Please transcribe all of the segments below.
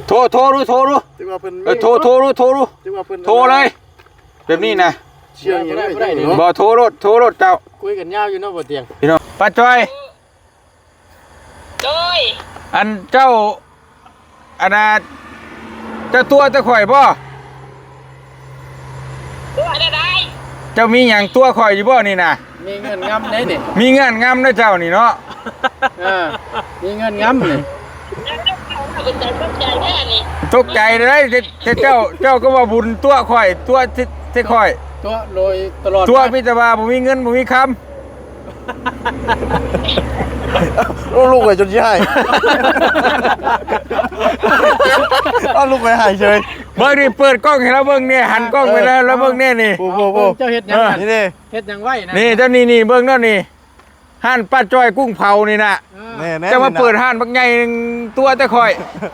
โทรรู้โทรรู้โทรเลยแบบนี้นะเชียงยังได้เนาะบ่โทรรถเจ้าคุยกันยาวอยู่เนาะบ่เตียงพี่น้องป้าจ้อยอันเจ้าอันน่ะเจ้าตัวจะข่อยบ่ตัวได้เจ้ามีหยังตัวข่อยอยู่บ่นี่น่ะมีเงินงำได้นี่มีเงินงำนะเจ้านี่เนาะมีเงินงำนี่ตกใจเลยเจ้าก็ว่าบุญตัวข่อยตัวที่ข่อยตัวโดยตลอดตัวพิจารณาบ่มีเงินบ่มีคำลูกไปจนยี่ห้เอาลูกไปหายเฉยเบิ่งนี่เปิดกล้องให้เราเบิ่งเนี่ยหันกล้องไปแล้วเบิ่งเนี่ยนี่เจ้าเฮ็ดหยังนี่เฮ็ดหยังไว้นะนี่เจ้านี่เบิ่งนั่นนี่ห้านป้าจ้อยกุ้งเผานี่น่ะจะมาเปิดห้านบักใหญ่ตัวแต่ข่อย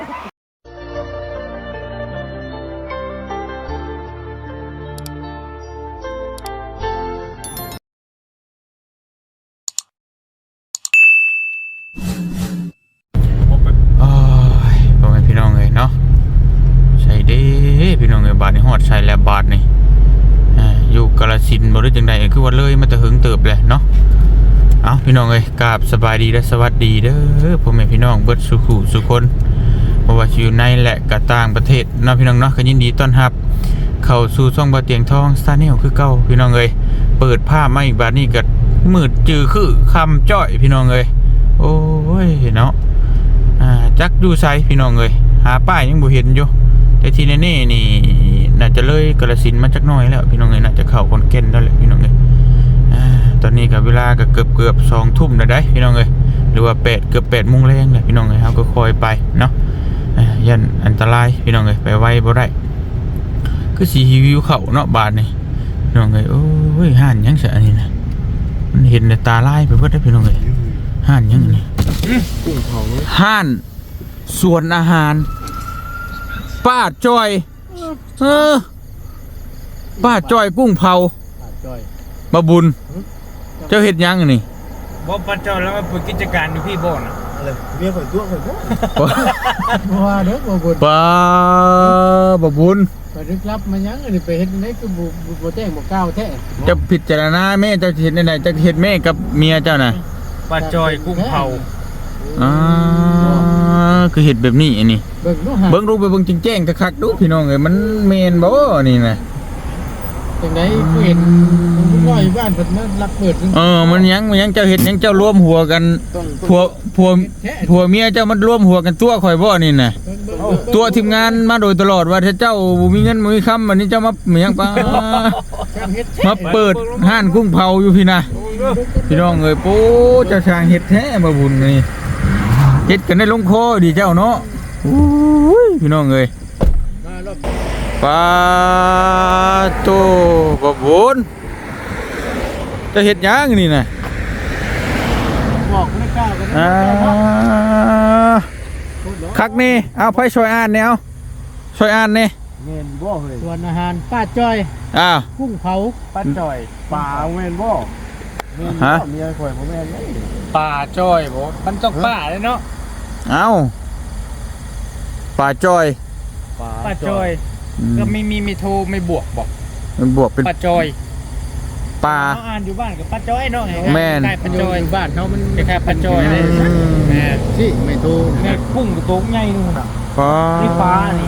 พ่อแม่พี่น้องเลยเนาะใช่เด้พี่น้องเลยบาทนี่ฮอดใช่แล้วบาทนี่อยู่กาฬสินธุ์บ่ได้จังได๋คือว่าเลยมาแต่หึงเติบเลยเนาะเอาพี่น้องเอ้ยกราบสบายดีและสวัสดีเด้อพ่อแม่พี่น้องเบิดสุขุสุคนบ่ว่าอยู่ในและก็ต่างประเทศเนาะพี่น้องเนาะก็ยินดีต้อนรับเข้าสู่ช่องบ่เตียงทองสตาร์แนลคือเก่าพี่น้องเอ้ยเปิดภาพมาอีกบาดนี้ก็มืดจือคือคำจ้อยพี่น้องเอ้ยโอ้ยเนาะจักอยู่ไสพี่น้องเอ้ยหาป้ายยังบ่เห็นอยู่แต่ที่แน่ๆนี่น่าจะเลยกาฬสินธุ์มาจักหน่อยแล้วพี่น้องเอ้ยน่าจะเข้าขอนแก่นแล้วแหละพี่น้องเอ้ยตอนนี้กับเวลาก็เกือบ2 ทุ่มแล้วได้พี่น้องเอ้ยหรือว่าเกือบ8 โมงแรงเลยพี่น้องเอ้ยเฮาก็คอยไปเนาะยันอันตรายพี่น้องเอ้ยไปไวบ่ได้คือสิวิวเข้าเนาะบาดนี่พี่น้องเอ้ยโอ้ยห่านยังซะอันนี้นะมันเห็นแต่ตาลายไปเบิดได้พี่น้องเอ้ยห่านยังนี่กุ้งเผาห่านสวนอาหารป้าจ้อยป้าจ้อยกุ้งเผาบะบุญเจ้าเฮ็ดยังนี่บ่ป้าจ้อยแล้วมาเปิดกิจการอยู่พี่บ่น่ะอะไรเมียข่อยตัวข่อยบ่ว่าเด้อบ่บุญป้าบะบุญไปลึกลับมายังอันนี้ไปเฮ็ดไหนคือบ่แจ้งบ่กล่าวแท้จะพิจารณาแม่เจ้าเฮ็ดได้จะเฮ็ดแม่กับเมียเจ้าน่ะป้าจ้อยกุ้งเผาคือเฮ็ดแบบนี้อันนี้เบิ่งรูปไปเบิ่งแจ้งๆคักๆดูพี่น้องเอ้ยมันแม่นบ่นี่น่ะจังได๋คือเห็นน้อยบ้านเพิ่นมาลักเปิดมันยังเจ้าเฮ็ดยังเจ้ารวมหัวกันผัวเมียเจ้ามันรวมหัวกันตัวข่อยบ่นี่น่ะตัวทีมงานมาโดยตลอดว่าถ้าเจ้าบ่มีเงินบ่มีคำวันนี้เจ้ามาหยังปะมาเปิดห้านกุ้งเผาอยู่พี่น่ะพี่น้องเอ้ยโป๊เจ้าช่างเฮ็ดแท้บ่บุญนี่เฮ็ดกันได้ลงคอดีเจ้าเนาะอุ้ยพี่น้องเอ้ยปาโตบ่บุญจะเฮ็ดหยังนี่น่ะบอกบ่ได้กล้ากันคักนี่เอาไผช่วยอ่านแนวช่วยอ่านนี่แม่นบ่เฮ้ยส่วนอาหารป้าจ้อยกุ้งเผาป้าจ้อยปลาแม่นบ่ฮะเมียข่อยบ่แม่นเลยป้าจ้อยบ่มันต้องป้าเลยเนาะเอาป้าจ้อยป้าจ้อยก็มีโทรไม่บวกบอกมันบวกเป็นป้าจ้อยป้าอ่านอยู่บ้านกับป้าจ้อยเนาะแม่นป้าจ้อยบ้านเฮามันแค่ป้าจ้อยเลยแม่สิไม่โทรแม่กุ้งตัวใหญ่นู่นน่ะนี่ปลานี่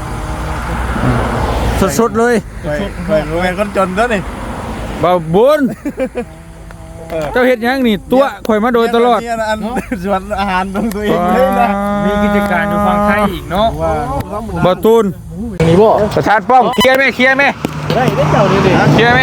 สดๆเลยข่อยแม่นคนจนเด้อนี่บ่บุญเจ้าเฮ็ดหยังนี่ตัวข่อยมาโดยตลอดส่วนอาหารของตัวเองเลยนะมีกิจการอยู่ฝั่งไทยอีกเนาะบ่ตูนนี่บ่ประธานป้อมเคลียร์ไหมได้เจ้านี่ดิเคลียร์ไหม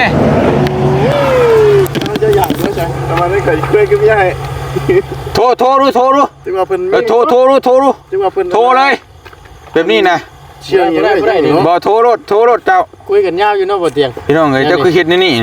จะอยากด้วยจ้ะทำไมไม่เคยคุยกับพี่ให้โทรรู้ที่ว่าเพิ่นโทรที่ว่าเพิ่นโทรเลยแบบนี้นะเชียงยังได้บ่โทรรถเจ้าคุยกันยาวอยู่เนาะบ่เตียงพี่น้องเอ้ยเจ้าคือเฮ็ดนี่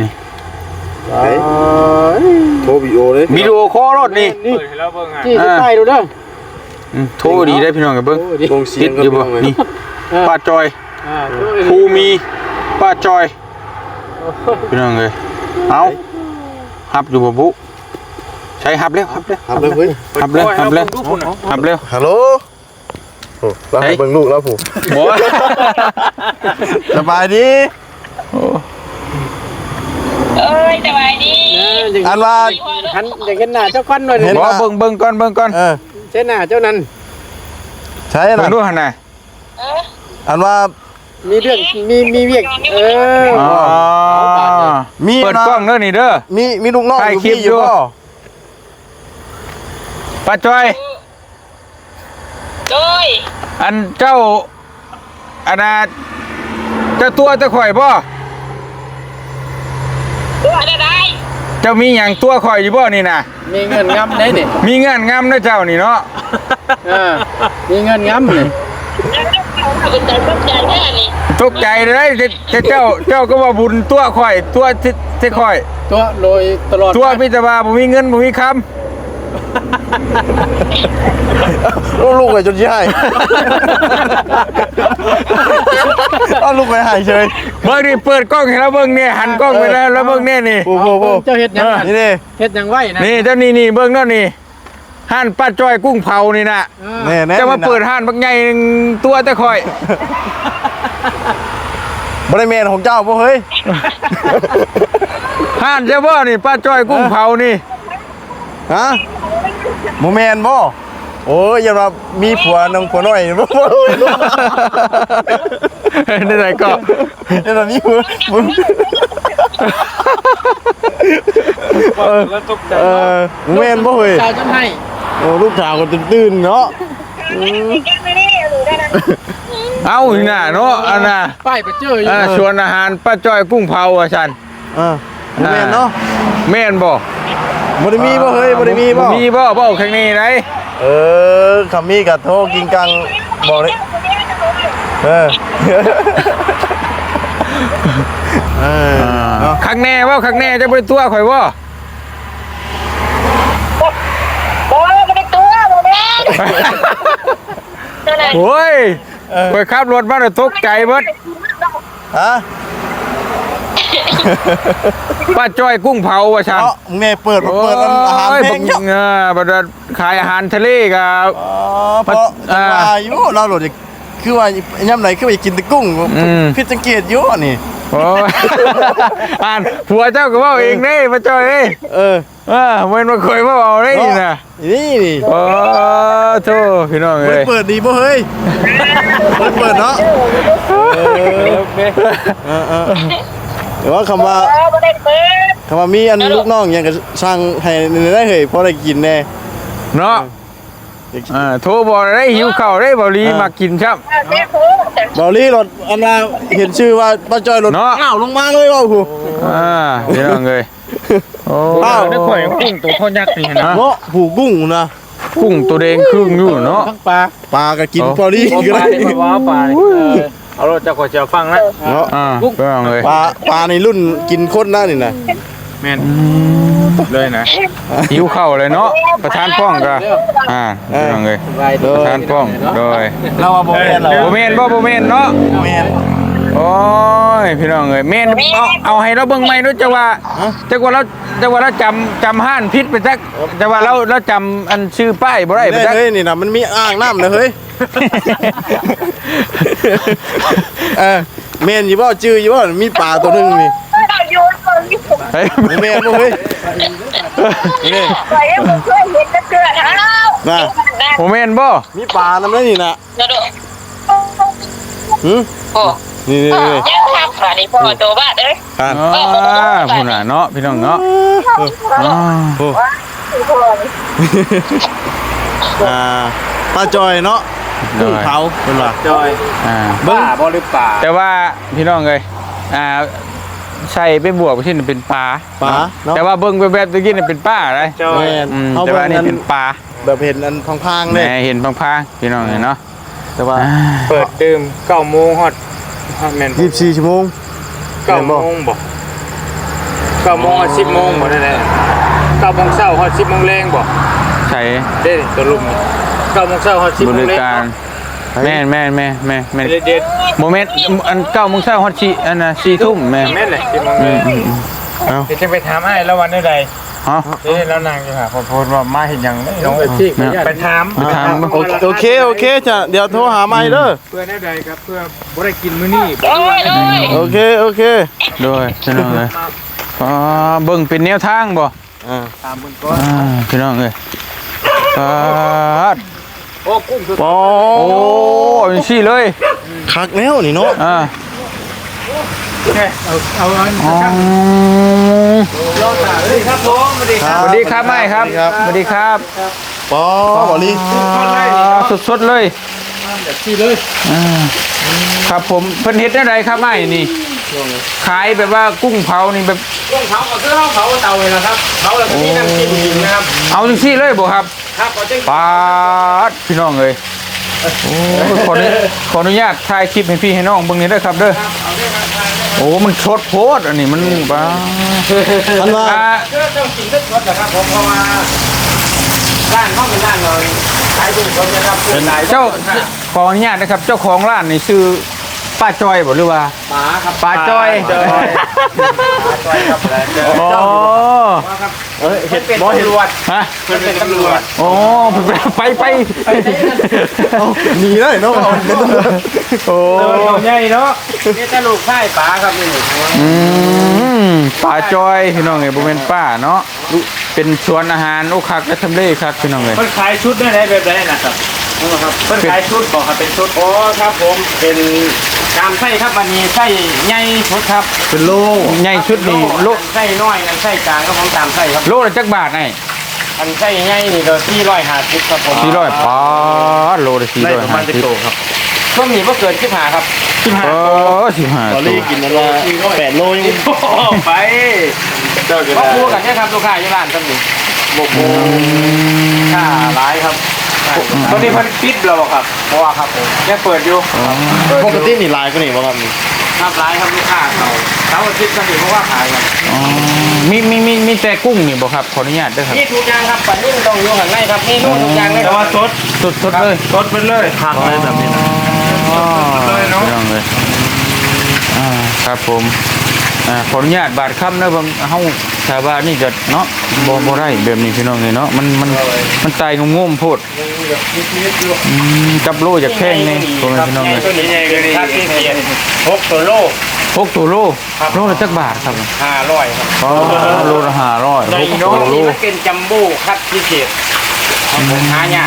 โทรวิดีโอเลยวิดีโอคอลรถนี่ที่ใต้ดูเด้อโทรดีได้พี่น้องกันเบิ่งลงเสียงกันอยู่บ่นี่ป้าจอยภูมีป้าจอยพี่น้องเอ้ยเอาฮับอยู่บ่บุใช้ฮับแล้วเฮ้ยฮับเร็วฮัลโหลโอ้เราให้เบิ่งลูกแล้วผู้บ่สบายดีโอ้เอ้ยสบายดีอันว่าหันอยากเห็นหน้าเจ้าควันหน่อยเห็นบ่เบิ่งก่อนเช่นหน้าเจ้านั้นใช่เบิ่นะงดูหั่นน่ะอันว่ามีเรื่องมีเวียกอ๋อมีเปิดกล้องเด้อนี่เด้อมีลูกน้องถ่ายอยู่คลิปพี่อยู่อยู่บ่ป้าจ้อยโดยอันเจ้าอันน่ะเจ้าตัวจะข่อยบ่ตัวอะไรเจ้ามีหยังตัวข่อยอยู่บ่นี่น่ะมีเงินง้ำได้นี่มีเงื่อนงำนะเจ้านี่เนาะมีเงินง้ำนี่เป็นใจต้นใจแน่นี่ตกใจเลยเจ้าก็ว่าบุญตัวข่อยตัวที่ข่อยตัวโดยตลอดตัวพิจารณาบ่มีเงินบ่มีคำลูกไปจนใช่เอาลูกไปหายเฉยเบิ่งนี่เปิดกล้องให้เราเบิ่งเนี่ยหันกล้องไปแล้วเบิ่งเนี่ยนี่โอ้โหเจ้าเฮ็ดยังนี่ดิเฮ็ดยังไหวนะนี่เจ้านี่เบิ่งเนาะนี่ห้านป้าจ้อยกุ้งเผานี่น่ะแน่ๆจะมาเปิดห้านบักใหญ่ตัวแต่ข่อยบริเวณของเจ้าบ่เฮ้ยห้านเจ้าบ่นี่ป้าจ้อยกุ้งเผานี่ฮะโมเมนบ่โอ้ยอย่ามามีผัวน้องผัวน้อยบ่เฮ้ยนี่ไหนก็อย่ามามีผัวแล้วตกใจโมเมนบ่เฮ้ยชาวจำให้โอ้ลูกสาวก็ตื่นๆเนาะเอานี่น่ะเนาะอันน่ะป้ายไปเจออยู่ชวนอาหารป้าจ้อยกุ้งเผาอ่ะฉันโมเมนเนาะแม่นบ่บ่ได้มีบ่เฮ้ยบ่ได้มีบ่มีบ่ข้างนี้ไหนคำมีกับโทรกินกังบอกเลยเนาะข้างแน่ว่าข้างแน่จะไปตัวข่อยว่าโอ้ยไม่ได้ตัวโมเมนตัวไหนโอ้ยข่อยขับรถมาแล้วตกใจเบิดฮะป้าจ้อยกุ้งเผาว่ะฉันเอ้ามึงเนี่ยเปิดอาหารเพลงเยอะบัดขายอาหารทะเลกับเพราะว่าอยู่เราโหลดคือว่าย่ำไหนคือไปกินแต่กุ้งผิดสังเกตอยู่นี่โอ้ยอ่านผัวเจ้าก็ว่าเองเด้ป้าจ้อยเอ้ยเว้นมาเคยว่าเอาได้นี่นะนี่นี่โอ้โธ่พี่น้องเอ้ยเปิดดีบ่เฮ้ยเปิดเนาะแต่ว่าคำว่าไม่ได้เปิดคำว่ามีอันลูกน้องยังกับช่างให้ได้เหยพอได้กินแน่เนาะโทรบอกได้หิวข้าวได้บ่ลีมากินครับแม่โคบอลลี่รถอันน่ะเห็นชื่อว่าป้าจอยรถเนาะอ้าวลงมาเลยว่ะครูพี่น้องเอ้ยโอ้ได้ข่อยกุ้งตัวพ่อยักษ์นี่นะเนาะผูกุ้งนะกุ้งตัวแดงครึ่งอยู่เนาะทั้งปลาปลาก็กินบอลลี่ก็ได้ว้าวปลาเอารถจะขอเจียวฟังนะเนาะพี่น้องเอ้ยปลาในรุ่นกินคนได้นี่นะแม่นเลยนะหิวข้าวเลยเนาะประธานป้องก็พี่น้องเอ้ยประธานป้องโดยเราว่าโบแมนเหรอบ่แม่นเนาะโบแมนโอ้ยพี่น้องเอ้ยแม่นเอาให้เราเบิ่งใหม่เนาะจะว่าเราจำห้านพิษไปจักจะว่าเราจำอันชื่อป้ายบ่ได้ไปจักเฮ้ยนี่นะมันมีอ่างน้ำนะเฮ้ยเมนอยู่บ่จื้ออยู่บ่มีปลาตัวนึงนี่อยู่ตัวนี้ผมเฮ้ยโบแมนบ่เฮ้ยนี่ไปให้ผมช่วยเห็นเกลือเท้าน่ะบ่แม่นบ่มีปลาน้ำนั่นนี่นะกระโดด โอ้นี่ยังทำฝาในพ่อตัวบ้านเอ้ยอ่าพุ่นน่ะเนาะพี่น้องเนาะปลาจอยเนาะกุ้งเผาเป็นว่าจอยเบิ่ป่าง บ่หรือป่าแต่ว่าพี่น้องเอ้ยใส่ไปบวกที่นี่เป็นปลาปลาเนาะแต่ว่าเบิ่งแบบตะกี้นี่เป็นปลาอะไรจอยแม่นเอาแต่เบิ่ว่าง นี่นั้นเป็นปลาแบบเห็นอันพังๆแหเลยม่เห็นพังๆพี่น้องเนาะแต่ว่าเปิดดื่ม9 โมงฮอดแม่น 24ชั่วโมง 9 โมงบ่9 โมงฮอด10 โมงบ่ได้แหละ9 โมงเช้าฮอด10 โมงแรงบ่ใช้เด้ตัวลุม9 โมงเช้าฮอด10 บโมงริแรงการแม่นเด็ดโมเมนต์อัน9 โมงเช้าฮอด4อันน่ะ4 ทุ่มแม่แม่นเลย10 โมงแรงเอ้าเดี๋ยวจะไปถามให้แล้ววันใดฮะแล้วนางอยู่หาคนโพสต์ว่ามาเห็นอย่างไม่น้องไปถามไปถามโอเคจ้ะเดี๋ยวโทรหาใหม่เด้อเพื่อได้ใดครับเพื่อบ่ได้กินมื้อนี้โอ้ยโอ้ยโอเคโดยพี่น้องเลยเบิ่งเป็นแนวทางบ่ตามเบิ่งก่อนพี่น้องเลยโอ้กุ้งสุดปอโอ้ยซี่เลยคักแล้วนี่เนาะเอาอันอ๋อรอดาเลยครับผมสวัสดีครับสวัสดีครับไม่ครับสวัสดีครับปอบ่ลีสดๆเลยแบบที่เลยครับผมเพิ่นเฮ็ดได้ไรครับไม่นี่ขายแบบว่ากุ้งเผานี่แบบกุ้งเผาก็คือเผาเตาเลยนะครับเผาแล้วก็มีน้ำจิ้มกินนะครับเอาจังซี่เลยบ่ครับครับก็จะปาดพี่น้องเอ้ยโอ้ขออนุญาตถ่ายคลิปให้พี่ให้น้องเบิ่งนี่เด้อครับเด้อโอ้มันสดโพดอันนี้มันบ้าอันว่าต้องกินทุกรสนะครับผมเพราะว่าร้านเขาเป็นร้านเราขายกุ้งสดนะครับเป็นนายเจ้าขออนุญาตนะครับ เจ้าของร้านนี่ชื่อป้าจอยบ่หรือว่าป๋าครับป้าจอยป๋าจอยครับอ๋อเห็ดเป็นตำรวจฮะเป็นตำรวจโอ้ไปหนีเลยเนาะโอ้ใหญ่เนาะนี่จะลูกไส้ป๋าครับนี่ป้าจอยพี่น้องเอ้ยบ่แม่นป้าเนาะเป็นสวนอาหารโอ้คักและทำเลคักพี่น้องเอ้ยมันขายชุดได้ไหนแบบไหนนะครับครับเพิ่นขายชุดบอกครับเป็นชุดอ๋อครับผมเป็นกามไส้ครับมันมีไส้ใหญ่ชุดครับเป็นโลใหญ่ชุดนี่โลไส้น้อยนั่นไส้กลางก็ผมตามไส้ครับโลละจักบาทไอ้อันไส้ใหญ่นี่ก็450ครับผม 400ป้าดโลละได้ประมาณจะโตครับช่วงนี้บ่เกิน15ครับ 40015 ตอนนี้กินแล้วว่า8โลยังไปเจ้าก็พูดกันเนี่ยครับลูกค้าอยู่ร้านซั่นนี่บ่โกค่าหลายครับตอนนี้เพิ่นปิดแล้วบ่ครับเพราะว่าครับผมยังเปิดอยู่ปกตินี่ลายก็นี่บ่ครับครับร้ายครับลูกค้าเขาเสาร์อาทิตย์ก็ถือเพราะว่าขายครับมีแต่กุ้งนี่บ่ครับขออนุญาตเด้อครับนี่ทุกอย่างครับปันนี้ต้องอยู่ข้างในครับนี่นู่นทุกอย่างเลยแต่ว่าสดสดเลยสดไปเลยคักเลยแบบนี้นะเลยเนาะพี่น้องเลยครับผมขออนุญาตบาดค่ำนะบางเฮาชาวบ้านนี่จะเนาะบ่ได้แบบนี้พี่น้องเลยเนาะมันตายงงๆโพดจับโลจากแข้งนี่พ่อแม่พี่น้องเลยตัวนี้ใหญ่เลยครับที่เขียน6ตัวโล 6ตัวโลโลละจักบาทครับ 500ครับอ๋อโลละ500 ใน 6 น้องตัวโลนี่มันเป็นจัมโบ้คัดพิเศษของผมหายาก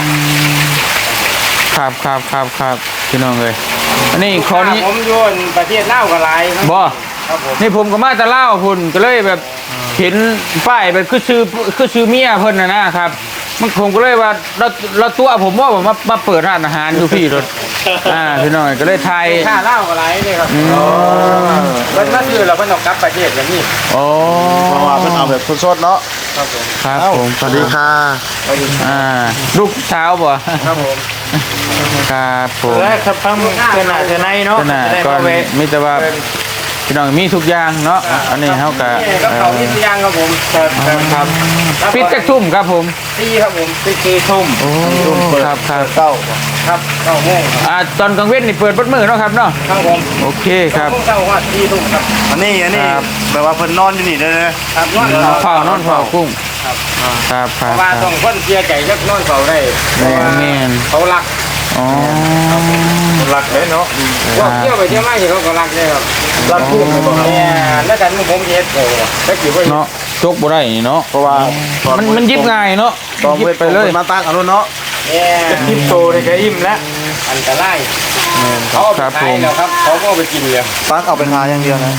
ครับพี่น้องเลยอันนี้ขอนี้ผมโยนประเทศลาวก็หลายครับบ่ครับผมนี่ผมก็มาแต่เล่าวพุ่นก็เลยแบบเห็นป้ายแบบคือชื่อเมียเพิ่นนะครับมันผมก็เลยว่าเราตัวผมว่าผมมาเปิดร้านอาหารอยู่พี่รถพี่น้องก็เลยไทยค่าเหล้าก็หลายเลยครับเพิ่นมาซื้อแล้วเพิ่นต้องกลับประเทศอย่างนี้โอ้เพราะว่าเพิ่นเอาแบบสดๆเนาะครับผมครับผมสวัสดีค่ะลูกเช้าบ่ครับผมครับผมแล้วครับฟังเกินหน้าเกินในเนาะขนาดก่อนมีแต่ว่าพี่น้องมีทุกอย่างเนาะอันนี้เฮาก็กับเขาที่สุยางครับผมครับปิดจักทุ่มครับผมตีครับผมตีทุ่มโอ้ครับเก้าครับ9 โมงตอนกลางเว้นนี่เปิดเบิดมื้อเนาะครับเนาะครับผมโอเคครับเช้าว่าตีทุ่มครับอันนี้แบบว่าเพิ่นนอนอยู่นี่เด้อครับนอนนอนเฝ้ากุ้งครับครับเพราะว่าต้องคนเสียใจจักนอนเฝ้าได้แม่นเขารักอ๋อรักเลยเนาะพวกเที่ยวไปเที่ยวมาเขาก็รักเลยครับรักทุ่มเนี่ยแล้วกันผมเฮ็ดโอ้ตะกี้ว่าเนาะจกบ่ได้นี่เนาะเพราะว่ามันยิบง่ายเนาะต้องยิบไปไปเลยมาตั้งเอาเนาะเนี่ยทิปโตเลยก็อิ่มแล้วอันตรายเขาเอาไปขายแล้วครับเขาก็เอาไปกินเลยตั้งเอาไปทาอย่างเดียวนะ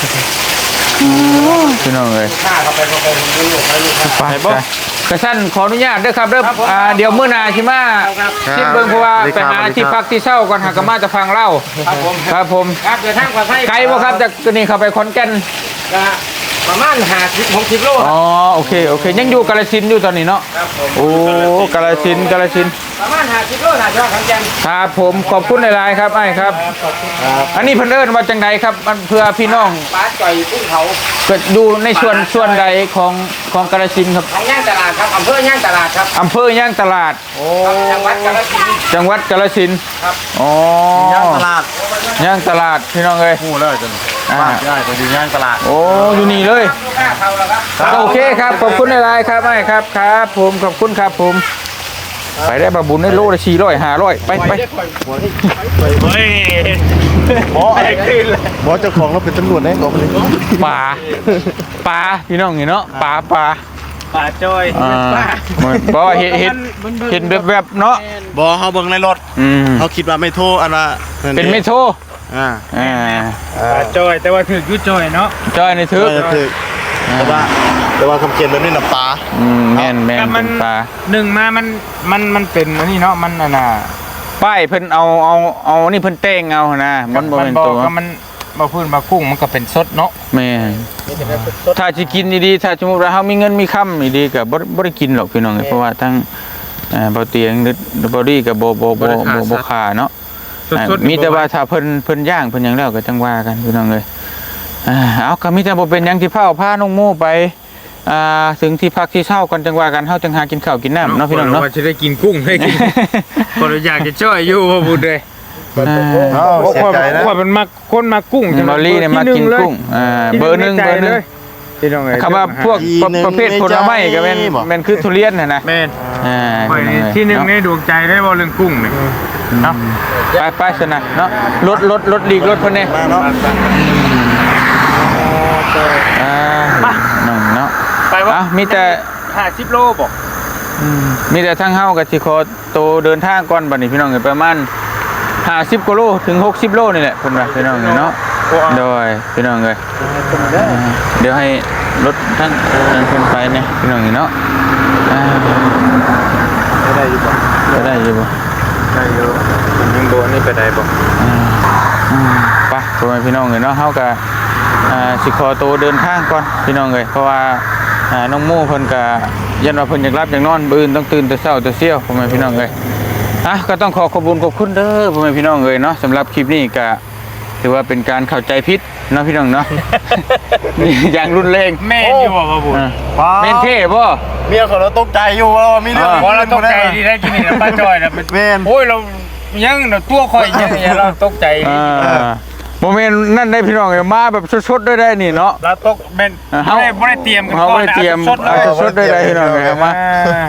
พี่น้องเอ้ยข้าเขาไปเขาไปลูกให้ลูกไปกระชั้นขออนุญาตเด้อครับเด้อเดี๋ยวมื้อหน้าสิมาคิดเบิ่งเพราะว่าไปหาที่พักที่เช่าก่อนหากมาจะฟังเล่าครับผมครับผมครับเดินทางปลอดภัยไกลบ่ครับจากนี่เข้าไปขอนแก่นประมาณ50-60 โลอ๋อโอเคยังอยู่กาฬสินธุ์อยู่ตอนนี้เนาะครับผมโอ้กาฬสินธุ์ประมาณ50 โลน่าจะขอนแก่นครับผมขอบคุณหลายๆครับไอ้ครับ อันนี้เพิ่นเอิ้นว่าจังใดครับมันเพื่อพี่น้องปลาจ่อยกุ้งเผาก็ดูในส่วนใดของกาฬสินธุ์ครับของย่างตลาดครับอำเภอย่างตลาดครับอำเภอย่างตลาดจังหวัดกาฬสินธุ์จังหวัดกาฬสินธุ์ครับอ๋อย่างตลาดย่างตลาดพี่น้องเอ้ยหูแล้วจังบ้านได้ไปดูงานตลาดโอ้อยู่นี่เลยลูกค้าเข้าแล้วครับโอเคครับขอบคุณหลายๆครับไอ้ครับครับผมขอบคุณครับผมไปได้บาบุญได้โลละ400 500ไปไปเฮ้ยบอสเจ้าของเราเป็นตำรวจแน่กว่าเลยป่าพี่น้องเห็นเนาะป่าป่าจอยเพราะว่าเห็นแบบเนาะบอเขาเบิ่งในรถเขาคิดว่าไม่โทรอันว่าเป็นไม่โทอ่าป่าจอยแต่ว่าถือยุจอยเนาะจอยในทึกคือแต่ว่าคำเขียนแบบนี้น่ะปลาแม่นเป็นป่าหนึ่งมามันเป็นอันนี้เนาะมันน่ะป้ายเพิ่นเอานี่เพิ่นแต่งเอานะมันบ่เป็นตัวก็มันมาพื้นมากุ้งมันก็เป็นสดเนาะแม่ถ้าสิกินดีๆถ้าสมมุติว่าเฮามีเงินมีค่ำดีๆก็บ่ได้กินหรอกพี่น้องเพราะว่าทั้งบ่เตียงบ่ดีก็บ่ค่าเนาะมีแต่ว่าถ้าเพิ่นย่างเพิ่นหยังแล้วก็จังว่ากันพี่น้องเอ้ยเอาก็มีแต่บ่เป็นหยังที่พาน้องโมไปถึงที่พักที่เช่ากันจังว่ากันเฮาจังหากินข้าวกินน้ำเนาะพี่น้องเนาะว่าจะได้กินกุ้งได้กินคนอยากจะช่วยอยู่บ่พูดเลยเสียใจนะว่ามันมาคนมากุ้งบอลลี่เนี่ยมากินกุ้งเบอร์หนึ่งคำว่าพวกประเภทผลไม้ก็แม่นคือทุเรียนนะแม่นที่หนึ่งในดวงใจได้บ่เรื่องกุ้งเนี่ยเนาะไปสนะเนาะรถลีกรถเพิ่นเนี่ยมาเนาะเนาะไปว่ามีแต่ 50 โลบ่มีแต่ทั้งเฮากับสิขอโตเดินทางก่อนบัดนี้พี่น้องประมาณ50กิโลถึง60โลนี่แหละเพิ่นว่าพี่น้องเนาะโดยพี่น้องเอ้ยเดี๋ยวให้รถทั้งนั้นเพิ่นไปเนี่ยพี่น้องเนาะได้อยู่บ่ได้อยู่ยังโดนนี่ไปได้บ่ไปพ่อแม่พี่น้องเอ้ยเนาะเฮาก็สิขอโตเดินทางก่อนพี่น้องเอ้ยเพราะว่าน้องโมเพิ่นก็ยันว่าเพิ่นอยากรับอยากนอนมื้ออื่นต้องตื่นแต่เช้าแต่เสี้ยวพ่อแม่พี่น้องเอ้ยก็ต้องขอบคุณเด้อพ่อแม่พี่น้องเอ้ยเนาะสำหรับคลิปนี้ก็ถือว่าเป็นการเข้าใจผิดเนาะพี่น้องเนาะนี่อย่างรุนแรงแม่นอยู่บ่บุญแม่นเท่บ่เมียของเราตกใจอยู่ว่ามีเรื่องเพราะเราตกใจดีได้กินนี่นะป้าจอยนะโอ้ยเรายังตัวข่อยยังเราตกใจโมเมนต์นั่นได้พี่น้องเอ้ยมาแบบสดๆได้นี่เนาะเราตกแม่นบ่ได้เตรียมกันเฮาบ่ได้เตรียมสดๆได้พี่น้องเอ้ยมา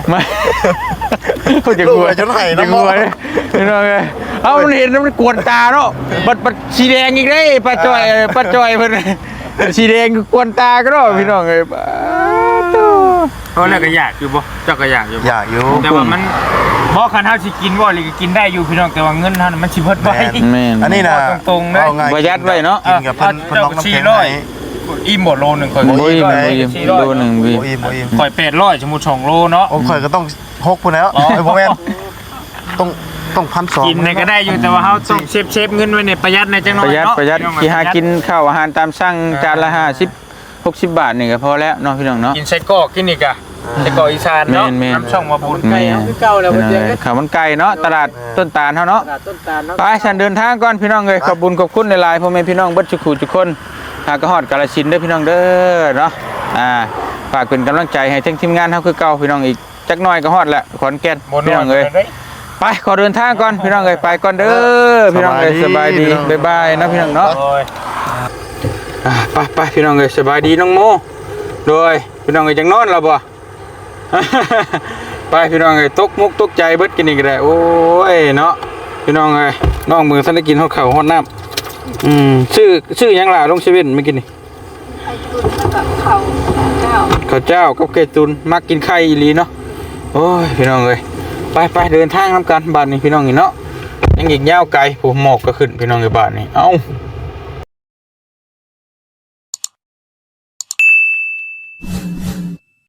เขาจะกลัวจะกลัวพี่น้องเอ้ยเอามันเห็นมันกวนตาเนาะบัดสีแดงอีกเด้ป้าจอยเพิ่นสีแดงกวนตาก็เนาะพี่น้องเอ้ยเพราะแล้วก็อยากอยู่บ่เจ้าก็อยากอยู่แต่ว่ามันพอคันเฮาสิกินบ่หรือกินได้อยู่พี่น้องแต่ว่าเงินเฮามันสิเบิดไว้อันนี้นะตรงๆเด้อประหยัดไว้เนาะกินกับเพิ่นน้องน้ำแข็งอิ่มหมดโลนึงข่อยบ่อิ่มโลนึงพี่ข่อย800สมมุติ2โลเนาะโอ้ข่อยก็ต้อง6พุ่นแล้วบ่แม่นต้อง1,200 กินก็ได้อยู่แต่ว่าเฮาต้องเซฟเงินไว้ในประหยัดในจังน้อยเนาะประหยัดที่หากินข้าวอาหารตามสั่งจานละ50-60 บาทนี่ก็พอแล้วเนาะพี่น้องเนาะกินไส้กรอกกินอีกอ่ะไส้กรอกอีสานเนาะน้ำช่องมาบุญไก่คือเก่าแล้วบ่เจอข้าวมันไก่เนาะตลาดต้นตาลเฮาเนาะไปฉันเดินทางก่อนพี่น้องเอ้ยขอบคุณหลายๆพ่อแม่พี่น้องเบิดทุกคนหากฮอดกาฬสินธุ์เด้อพี่น้องเด้อเนาะฝากเป็นกำลังใจให้ทั้งทีมงานเฮาคือเก่าพี่น้องอีกจักหน่อยก็ฮอดแล้วขอนแก่นพี่น้องเอ้ยไปขอเดินทางก่อนพี่น้องเอ้ยไปก่อนเด้อพี่น้องเอ้ยสบายดีบ๊ายบายนะพี่น้องเนาะไปพี่น้องเอ้ยสบายดีน้องโมโดยพี่น้องเอ้ยจังนอนแล้วบ่ ไปพี่น้องเอ้ยตกมุกตกใจเบิดกินอีกได้โอ้ยเนาะพี่น้องเอ้ยน้องมือท่านได้กินฮอดข้าวฮอดน้ำชื่อหยังล่ะลงเซเว่นไม่กินนี่ข้าวเจ้ากับไก่ตุนมักกินไข่อีหลีเนาะโอ้ยพี่น้องเอ้ยไปเดินทางนำกันบ้านนี้พี่น้องนี่เนาะยังอีกยาวไกลผมหมอกก็ขึ้นพี่น้องในบ้านนี่เอ้า